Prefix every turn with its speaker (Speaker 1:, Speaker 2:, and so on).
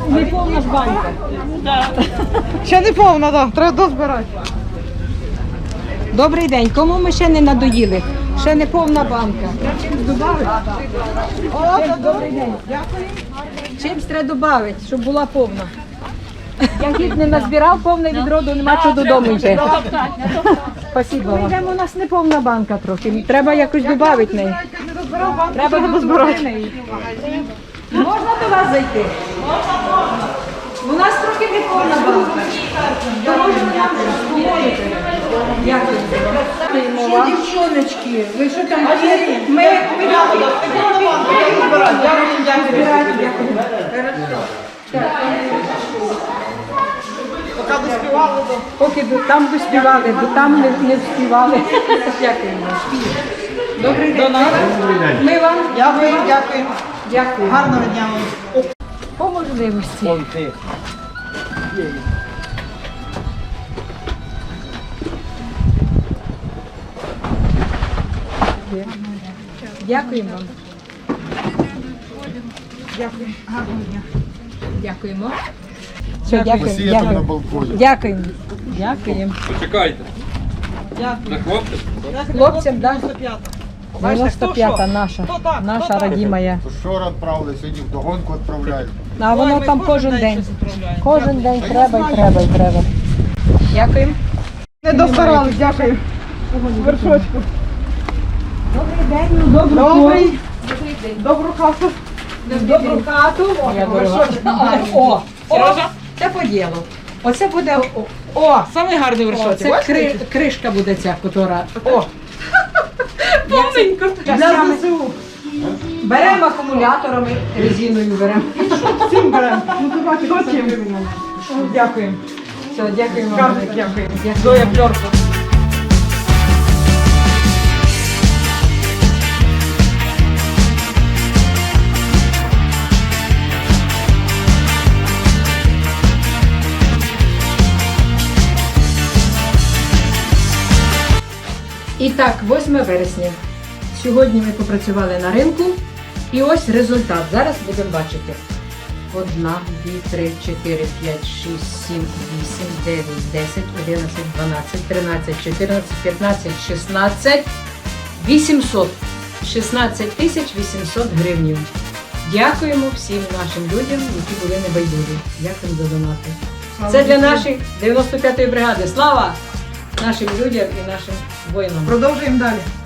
Speaker 1: Не повна ж банька.
Speaker 2: Ще не повна, так. Треба дозбирати.
Speaker 1: Добрий день. Кому ми ще не надоїли? Ще не повна банка. Добрий день. Дякую. Чимсь треба додати, щоб була повна. Я гід не назбирав повне відро, нема що додому вже. Спасибо вам. Ми йдемо, у нас не повна банка трохи. Треба якось додати неї. Треба дозбирати. Можна до вас зайти? У нас трохи не повна банка. То можна нам допомогти. Дякую. Що, дівчоночки, ви що там? Ми поки там доспівали, бо там не вспівали. Дякуємо. Добрий день. Ми вам
Speaker 2: Дякую.
Speaker 1: дякую.
Speaker 2: Гарного дня вам.
Speaker 1: По можливості. Дякуємо вам.
Speaker 2: Дякую. Гарного дня.
Speaker 1: Дякуємо. Все, дякуємо. Дякуємо. Дякуємо. Дякуємо.
Speaker 3: Почекайте.
Speaker 2: Дякую.
Speaker 3: На хлопців?
Speaker 1: Хлопцям, так?
Speaker 2: 95-та.
Speaker 1: 95-та наша. Наша родимая.
Speaker 4: Вчора відправили, сьогодні вдогонку відправляють.
Speaker 1: А воно там кожен день.
Speaker 2: щось відправляємо.
Speaker 1: Кожен день треба і треба і треба. Дякуємо.
Speaker 2: Не достарали, дякую. Вершочку.
Speaker 1: Добрий день, добру
Speaker 2: Добрий. Добру хату.
Speaker 1: Добру хату. О, це по ділу. Оце буде,
Speaker 2: Самий гарний вершочок.
Speaker 1: це кришка буде ця, котра.
Speaker 2: Повненько. Для ЗСУ.
Speaker 1: Беремо акумуляторами, резиною беремо.
Speaker 2: Всім беремо. Ну, давайте, хочемо. Дякуємо.
Speaker 1: Все, дякуємо.
Speaker 2: Карник, дякую. Зоя Пльорко.
Speaker 1: І так, 8 вересня. Сьогодні ми попрацювали на ринку. І ось результат. Зараз будемо бачити. 1, 2, 3, 4, 5, 6, 7, 8, 9, 10, 11, 12, 13, 14, 15, 16, 800. 16 тисяч 800 гривень. Дякуємо всім нашим людям, які були небайдужі. Дякуємо за донати. Це для нашої 95-ї бригади. Слава нашим людям і нашим воїнам.
Speaker 2: Продовжуємо далі.